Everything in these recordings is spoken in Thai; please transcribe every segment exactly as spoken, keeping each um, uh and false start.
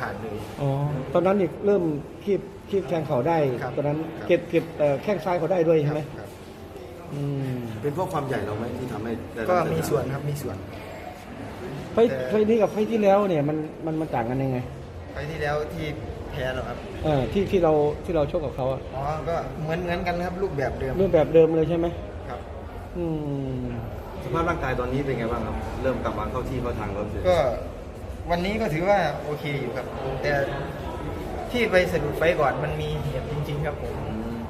ขาดเลยอ๋อตอนนั้นนี่เริ่มคีบคีบแทงเขาได้ตอนนั้นเก็บเก็บแข้งซ้ายเขาได้ด้วยใช่ไหมอืมเป็นเพราะความใหญ่เราไหมที่ทำให้ก็มีส่วนครับมีส่วนไฟไฟนี้กับไฟที่แล้วเนี่ยมันมันมันต่างกันยังไงไฟที่แล้วที่แพ้หรอครับเออที่ที่เราที่เราชกกับเขาอ่ะอ๋อก็เหมือนเหมือนกันครับรูปแบบเดิมรูปแบบเดิมเลยใช่ไหมครับอืมสภาพร่างกายตอนนี้เป็นไงบ้างครับเริ่มกลับมาเข้าที่เข้าทางแล้วก็วันนี้ก็ถือว่าโอเคอยู่ครับแต่ที่ไปสะดุดไฟก่อนมันมีเหตุจริงๆครับผม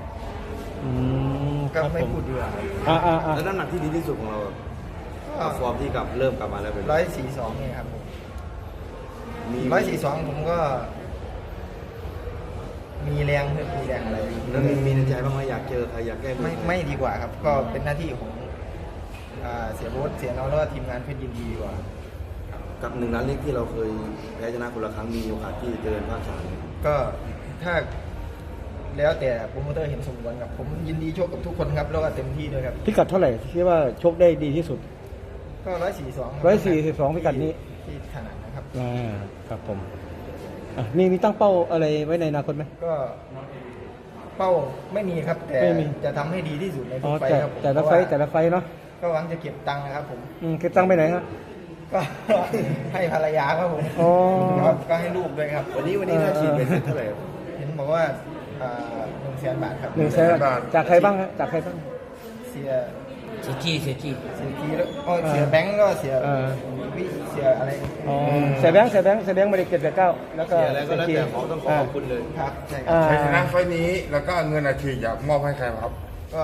ก็ไม่พูดดีกว่าอ่าอ่าอ่าแล้วน้ำหนักที่ดีที่สุดของเราฟอร์มที่กลับเริ่มกลับมาแล้วเป็นร้อยสี่สองเนี่ยครับผมมีร้อยสี่สองผมก็มีแรงมีแรงอะไรแล้วมีมีในใจบ้างไหมอยากเจอใครอยากแก้มือไม่ไม่ดีกว่าครับก็เป็นหน้าที่ของเสียโบ๊ทเสียน้องแล้วก็ทีมงานเพื่อนยินดีดีกว่ากับหนึ่งล้านเล็กที่เราเคยแพ้ชนะคนละครั้งมีโอกาสที่เจริญภาคสามก็ถ้าแล้วแต่โปรโมเตอร์เห็นสมควรครับผมยินดีชกกับทุกคนครับแล้วก็เต็มที่ด้วยครับพิกัดเท่าไหร่ที่ว่าชกได้ดีที่สุดก็ร้อยสี่สองร้อยสี่สิบสองพิกัดนี้ที่ถนัดนะครับอ่าครับผมมีมีตั้งเป้าอะไรไว้ในอนาคตไหมก็เป้าไม่มีครับแต่จะทำให้ดีที่สุดในทุกไฟครับแต่ละไฟแต่ละไฟเนาะก็หวังจะเก็บตังค์นะครับผมเก็บตังค์ไปไหนครับก็ให้ภรรยาครับผมก็ให้ลูกด้วยครับวันนี้วันนี้น่าฉีดเป็นเท่าไหร่เห็นบอกว่าหนึ่งแสนบาทครับหนึ่งแสนบาทจากใครบ้างจากใครบ้างเสียเสียจี้เสียจี้เสียจี้แล้วก็เสียแบงก์ก็เสียวิเสียอะไรอ๋อเสียแบงค์เสียแบงค์เสียแบงค์ไม่ได้เก็บแต่เก้าแล้วก็เสียอะไรก็แล้วแต่ขอต้องขอขอบคุณเลยครับใช่ครับชัยชนะไฟนี้แล้วก็เงินอาชีพอยากมอบให้ใครครับก็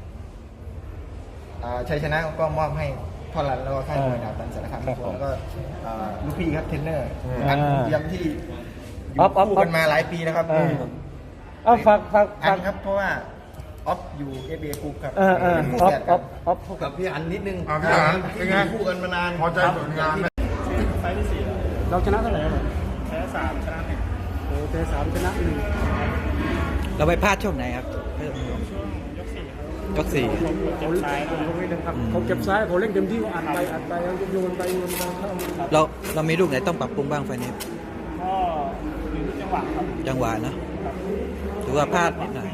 ชัยชนะก็มอบให้พ่อรันแล้วก็ค่ายมวยดาวตันสารคามแล้วก็ลูกพี่ครับเทรนเนอร์อันย้ำที่อยู่คู่กันมาหลายปีนะครับอ๋อฝากฝากอันครับเพราะว่าออฟอยู่เอเบกรุ๊ปครับออออฟออฟออฟกับพี่อันนิดนึงพี่อันเป็นไงคู่กันมานานพอใจผลงานไฟที่สี่เราชนะเท่าไหร่แพ้สามชนะหนึ่งโอ้แพ้สามชนะหนึ่งเราไปพลาดช่วงไหนครับช่วงยกสี่ยกสี่เขาเจ็บซ้ายเขาเก็บซ้ายเขาเล่นเต็มที่อัดไปอัดไปโยนไปโยนไปเราเรามีลูกไหนต้องปรับปรุงบ้างไฟนี้ก็อยู่ที่จังหวะครับจังหวะนะถือว่าพลาดนิดหน่อย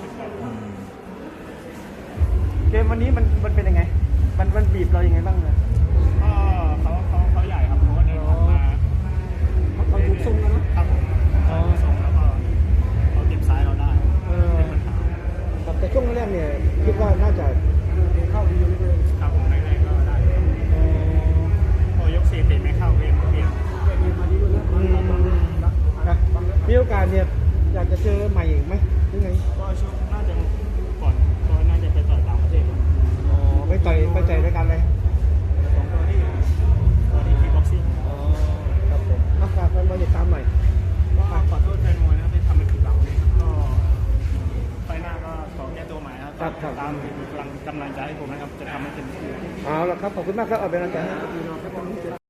เกมวันนี้มันมันเป็นยังไงมันมันบีบเรายังไงบ้างเนี่ยก็เขาเขาเขาใหญ่ครับเขาเดินผ่านมาเขาถูกทรงแล้วนะครับผมเขาทรงแล้วก็เขาเก็บซ้ายเราได้เป็นปัญหาแต่ช่วงแรกเนี่ยคิดว่าน่าจะเข้าดีเลยครับผมแรกๆก็ได้พอยกสี่ตีไม่เข้าเวียนเวียนมีโอกาสเนี่ยอยากจะเจอใหม่อีกไหมยังไงก็ช่วงน่าจะก่อนก็น่าจะไปต่อยต่างประเทศอ๋อไปต่อยไปต่อยด้วยกันเลยสองตัวที่ตัวที่คีบ็อกซิ่งอ๋อครับผมนักฝากมันมาติดตามหน่อยก็ขอโทษแฟนมวยนะครับที่ทำเป็นผิดหวังก็ไฟหน้าก็ขอแก้ตัวใหม่ครับตามกำลังกำลังใจให้ผมนะครับจะทำให้เต็มที่เอาละครับขอบคุณมากครับเอาเป็นกำลังใจให้